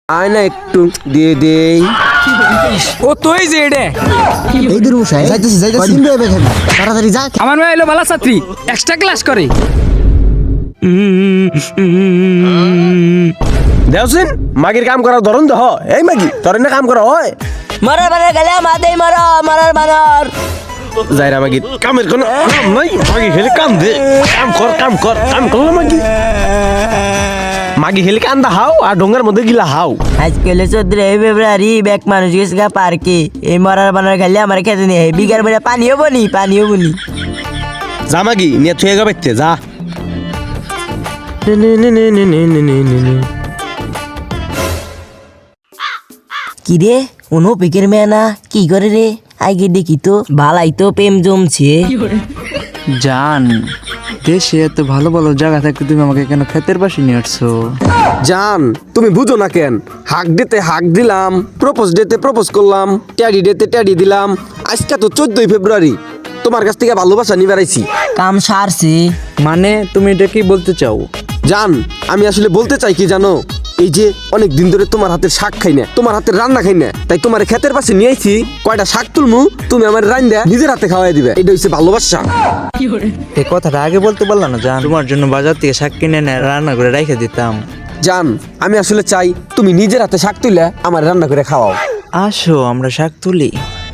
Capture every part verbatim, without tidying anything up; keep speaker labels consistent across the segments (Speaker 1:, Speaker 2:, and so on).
Speaker 1: আয় না একটু দিয়ে দেই।
Speaker 2: ও তুই যে এডে
Speaker 3: এই দূর মশাই যাইতেছি যাইতেছি কয়দিন রয়ে বেখাবি তাড়াতাড়ি যা।
Speaker 2: আমার মেয়ে এলো বালা ছাত্রী এক্সট্রা ক্লাস করে।
Speaker 1: দেওসিন মাগির কাম করার ধরন তো হয়। এই মাগি তোর না কাম করা হয়
Speaker 4: মারার বানার গেলে মাথায় মারা মারার বানার
Speaker 1: যাইরা মাগি কামের কোনো কাম নাই। মাগি খেলে কাম দে, কাম কর কাম কর কাম করলো মাগি মাগি খেলে কান্দা হাও আর ডোঙ্গার মধ্যে গিলা হাও।
Speaker 4: আজকে হলো চোদ্দই ফেব্রুয়ারি ব্যাক মানুষ গেছে গা পার্কে। এই মরার বানার গেলে আমার খেতে নেই বিঘার বেড়ে পানিও বনি পানিও বনি
Speaker 1: যা মাগি নিয়ে থুয়ে গা বাইতে যা।
Speaker 4: কি রে কোনো পিকের মেয়ে না কি করে রে আগে দেখি তো ভালাই তো প্রেম জমছে।
Speaker 5: জান দেশে এত ভালো ভালো জায়গা থাকতে তুমি আমাকে কেন ক্ষেতের পাশে নিয়ে আসছো?
Speaker 1: জান তুমি বুঝো না কেন, হাক দিতে হাক দিলাম, প্রপোজ ডেতে প্রপোজ করলাম, ট্যাডি ডেতে ট্যাডি দিলাম। আজকে তো চোদ্দই ফেব্রুয়ারি, তোমার কাছ থেকে ভালোবাসা নিয়ে বেড়াইছি।
Speaker 4: কাম সারছে
Speaker 5: মানে তুমি এটা কি বলতে চাও?
Speaker 1: জান আমি আসলে বলতে চাই কি জানো, এই যে অনেক দিন ধরে তোমার হাতের শাক খাই না, তোমার হাতের রান্না খাই না, তাই তোমার ক্ষেতের পাশে নিয়ে আইছি। কয়টা শাক তুলমু, তুমি আমার রান্না নিজের হাতে খাওয়াই দিবে, এটা হচ্ছে ভালোবাসা।
Speaker 5: এই কথাটা আগে বলতে পারলাম না জান, তোমার জন্য বাজার থেকে শাক কিনে এনে রান্না করে রেখে দিতাম।
Speaker 1: জান আমি আসলে চাই তুমি নিজের হাতে শাক তুলে আমার রান্না করে খাওয়াও।
Speaker 5: আসো আমরা শাক তুলি।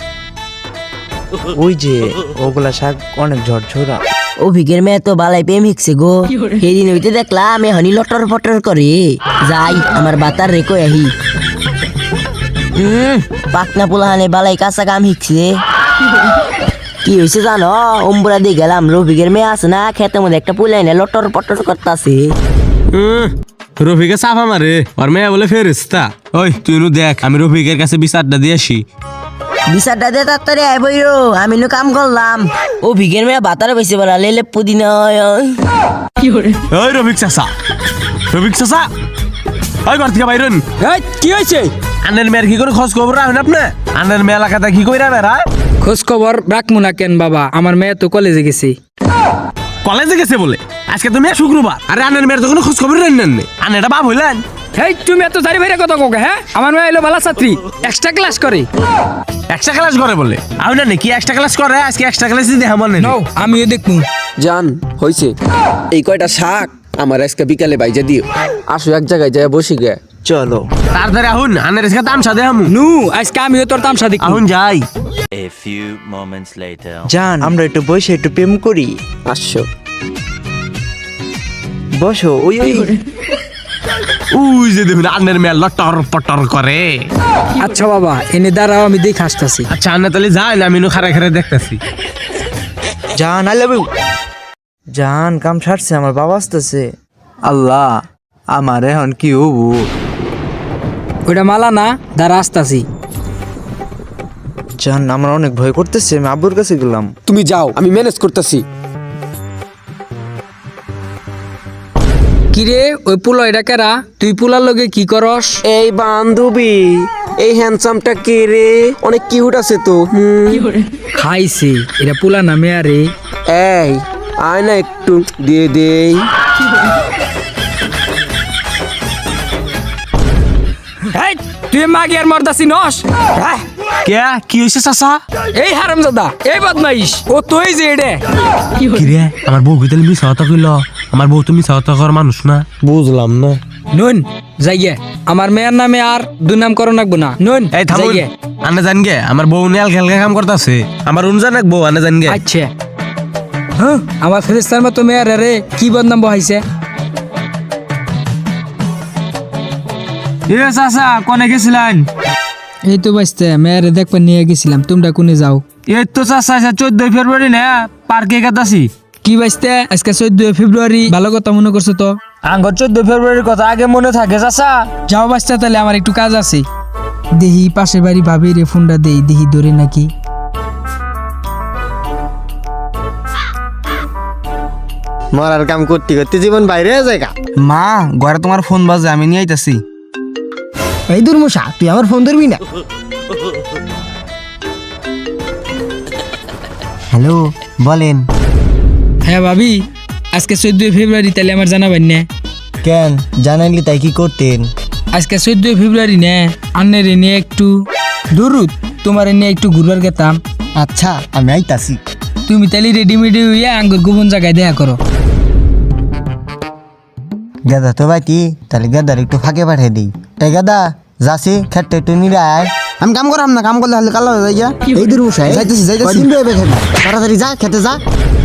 Speaker 5: ওই যে ওগুলা শাক অনেক ঝরঝরা।
Speaker 4: অভিজ্ঞের মেয়ে তো বালাই প্রেম হিকছে গো। সেদিন হইতে দেখলাম এখনই লটর ফটর করে। যাই আমার বাতার রেখো আহি। হম পাকনা পোলাহানে বালাই কাঁচা কাম হিকছে। কি হয়েছে জানো, অম্বুরা দিয়ে গেলাম রফিকের মেয়ে আছে না খেতে মধ্যে একটা পোলাইনে লটর পটর করতেছে।
Speaker 6: রফিকে সাফা মারে আর মেয়ে বলে ফেরেস্তা। ওই তুই নু দেখ আমি রফিকের কাছে বিচারটা দিয়ে আসি।
Speaker 4: বিচারটা দিয়ে তাড়াতাড়ি আয় বইরো, আমি নু কাম করলাম। অভিজ্ঞের মেয়ে বাতারে বেশি বলা লেলে পুদিনা।
Speaker 6: ওই রফিক চাচা, রফিক চাচা ওই ঘর থেকে বাইরন।
Speaker 2: এই কি হয়েছে?
Speaker 6: আনের মেয়ের কি করে খোঁজ খবর রাখেন আপনি? আনের মেয়ে এলাকাতে কি কইরা বেড়া?
Speaker 2: খোঁজ খবর রাখবো না কেন বাবা, আমার মেয়ে তো কলেজে গেছে।
Speaker 6: কলেজে গেছে বলে? আজকে তো মেয়ে শুক্রবার, আরে আনের মেয়ের তো কোনো খোঁজ খবর নেন নেন। আনে এটা বাপ হইলেন?
Speaker 2: হেই তুমি এত জারি ভাইরে কথা কোকে? হ্যাঁ আমার মেয়ে এলো বালা ছাত্রী এক্সট্রা ক্লাস করে।
Speaker 6: এক্সট্রা ক্লাস করে বলে? আমি না কি এক্সট্রা ক্লাস করে? আজকে এক্সট্রা ক্লাস দিয়ে আমার নেই।
Speaker 2: নাও আমিও দেখবো।
Speaker 1: জান হইছে, এই কয়টা শাক আমার আজকে বিকালে বাইজা দিও। আসো এক জায়গায় যায় বসি গে।
Speaker 5: চলো
Speaker 6: তাড়াতাড়ি আহুন, আনের আজকে তামসা দে হামু।
Speaker 2: নু আজকে আমিও তোর তামসা দেখবো।
Speaker 6: আহুন যাই।
Speaker 7: A few moments later.
Speaker 5: জান আমরা একটু বসে একটু প্রেম করি।
Speaker 1: আসো
Speaker 5: বসো। ওই ওই
Speaker 6: উই যে দেখুন আনের মেয়ে লটর পটর করে।
Speaker 2: আচ্ছা বাবা এনে দাঁড়াও আমি দেখে আসতেছি।
Speaker 6: আচ্ছা আন্না তাহলে যাই না, আমি নু খারে খারে দেখতেছি।
Speaker 5: জান আই লাভ ইউ। জান কাম সারছে, আমার বাবা আসতেছে। আল্লাহ আমার এখন কি হবো?
Speaker 2: ওইটা মালা না, দাঁড়া আসতাছি।
Speaker 5: জান আমার অনেক ভয় করতেছে, আমি আব্বুর কাছে গেলাম।
Speaker 1: তুমি যাও, আমি ম্যানেজ করতেছি।
Speaker 2: কিরে ওই পুলো এটা কেরা? তুই পুলার লগে কি করস?
Speaker 1: এই বান্ধবী, এই হ্যান্ডসামটা কে রে? অনেক কিউট আছে তো। হুম।
Speaker 2: খাইছে এটা পুলা না মেয়া রে।
Speaker 1: এই আয় না একটু দিয়ে দেই।
Speaker 2: এই তুই মাগি আর মর্দাসি নস? হ্যাঁ
Speaker 6: কে কি হইছে চাচা?
Speaker 2: এই হারামজাদা এই বদমাইশ ও তুই যে এডে।
Speaker 6: কি রে আমার বউ কইতে মিছা কথা কইল? আমার বউ তো মিছা কথা কর মানুষ না।
Speaker 1: বুঝলাম না।
Speaker 2: নুন যাইয়ে আমার মেয়ের নামে আর দুই নাম করো নাকবো না। নুন
Speaker 6: এই থামুন,
Speaker 2: যাইয়ে।
Speaker 6: আনে জান গে আমার বউ নেল খেলকা কাম করতেছে। আমার উন জানাক বউ আনে জান গে।
Speaker 2: আচ্ছা হ্যাঁ আমার ফেরেস্তার মতো মেয়ের রে কি বদনাম বহাইছে।
Speaker 6: এ চাচা কোনে গেছিলেন?
Speaker 2: এই তো বাঁচতে মেয়ের দেখবার নিয়ে গেছিলাম, তোমরা কোনে যাও?
Speaker 6: এই তো চাচা চোদ্দই ফেব্রুয়ারি না পার্কে গেতাছি।
Speaker 2: কি বাঁচতে আজকে চোদ্দই ফেব্রুয়ারি? ভালো কথা মনে করছো তো?
Speaker 6: আঙ্গর চোদ্দই ফেব্রুয়ারির কথা আগে মনে থাকে চাচা।
Speaker 2: যাও বাঁচতে তাহলে আমার একটু কাজ আছে। দেহি পাশে বাড়ি ভাবি রে ফোনটা দেই দেহি ধরে নাকি।
Speaker 3: মরার কাম করতে করতে জীবন বাইরে জায়গা।
Speaker 5: মা ঘরে তোমার ফোন বাজে, আমি নিয়ে আইতাছি।
Speaker 3: এই দূর মশা তুই আমার ফোন ধরবি না। হ্যালো বলেন।
Speaker 2: হ্যাঁ ভাবি আজকে চোদ্দই ফেব্রুয়ারি, তাহলে আমার জানাবেন না?
Speaker 3: কেন জানাইলি তাই কি করতেন?
Speaker 2: আজকে চোদ্দই ফেব্রুয়ারি নে আন্নের নিয়ে একটু দূরত তোমার নিয়ে একটু ঘুরবার গেতাম।
Speaker 3: আচ্ছা আমি আইতাছি।
Speaker 2: তুমি তাহলে রেডিমেডি হইয়া আঙ্গুর গোপন জায়গায় দেখা করো।
Speaker 3: গাদা তো বাইতি, তাহলে গাদার একটু ফাঁকে পাঠিয়ে দিই। তাই গাদা যাচ্ছি খেতে একটু নিরে আয়। আমি কাম করাম না, কাম করলে হলে কালো হয়ে যাই গা। এই দূর বসাই যাইতেছি যাইতেছি কয়দিন বেবে খাবি, তাড়াতাড়ি যা খেতে যা।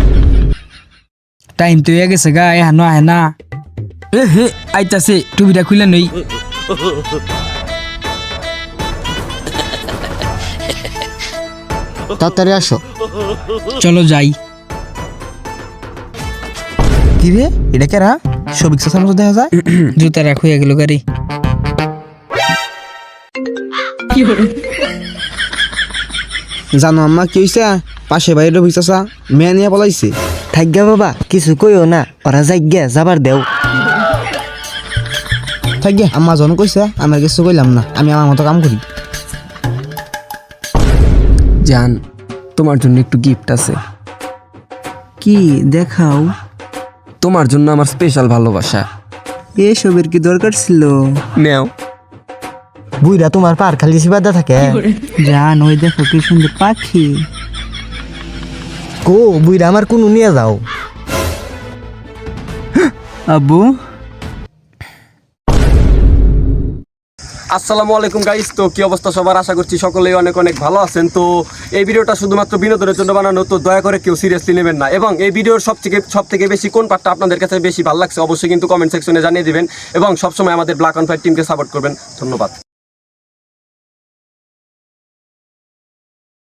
Speaker 2: টাইম তো হয়ে গেছে গা, এহানো আহে না। এ হে আইতাছে, টুপিটা খুলে নই।
Speaker 3: তাড়াতাড়ি আসো।
Speaker 2: চলো যাই।
Speaker 5: কি রে এটা কেরা সবিক চাচার মতো দেখা যায়।
Speaker 2: জুতা রাখ হয়ে গেল গাড়ি।
Speaker 1: জানো আম্মা কি হয়েছে? পাশে বাড়ির রফিক চাচা মেয়ে নিয়ে পলাইছে।
Speaker 3: থাকগা বাবা কিছু কইও না, ওরা যাইগা যাবার দেও।
Speaker 1: থাকবে আম্মা জন কইছে, আমার কিছু কইলাম না, আমি আমার মতো কাম করি। জান তোমার জন্য একটু গিফট আছে।
Speaker 5: কি দেখাও?
Speaker 1: তোমার জন্য আমার স্পেশাল ভালোবাসা।
Speaker 5: এসবের কি দরকার ছিল?
Speaker 1: নেও।
Speaker 3: বুইরা তোমার পার খালি সিবাদা থাকে।
Speaker 5: জান ওই দেখো কি সুন্দর পাখি।
Speaker 3: কো বুইরা আমার কোন নিয়ে যাও।
Speaker 5: আব্বু
Speaker 1: আসসালামু আলাইকুম গাইস, তো কি অবস্থা সবার? আশা করছি সকলেই অনেক অনেক ভালো আছেন। তো এই ভিডিওটা শুধুমাত্র বিনোদনের জন্য বানানো, তো দয়া করে কেউ সিরিয়াসলি নেবেন না। এবং এই ভিডিওর সব থেকে সব থেকে বেশি কোন পার্টটা আপনাদের কাছে বেশি ভালো লাগছে অবশ্যই কিন্তু কমেন্ট সেকশনে জানিয়ে দিবেন এবং সবসময় আমাদের ব্ল্যাক অ্যান্ড হোয়াইট টিমকে সাপোর্ট করবেন। ধন্যবাদ।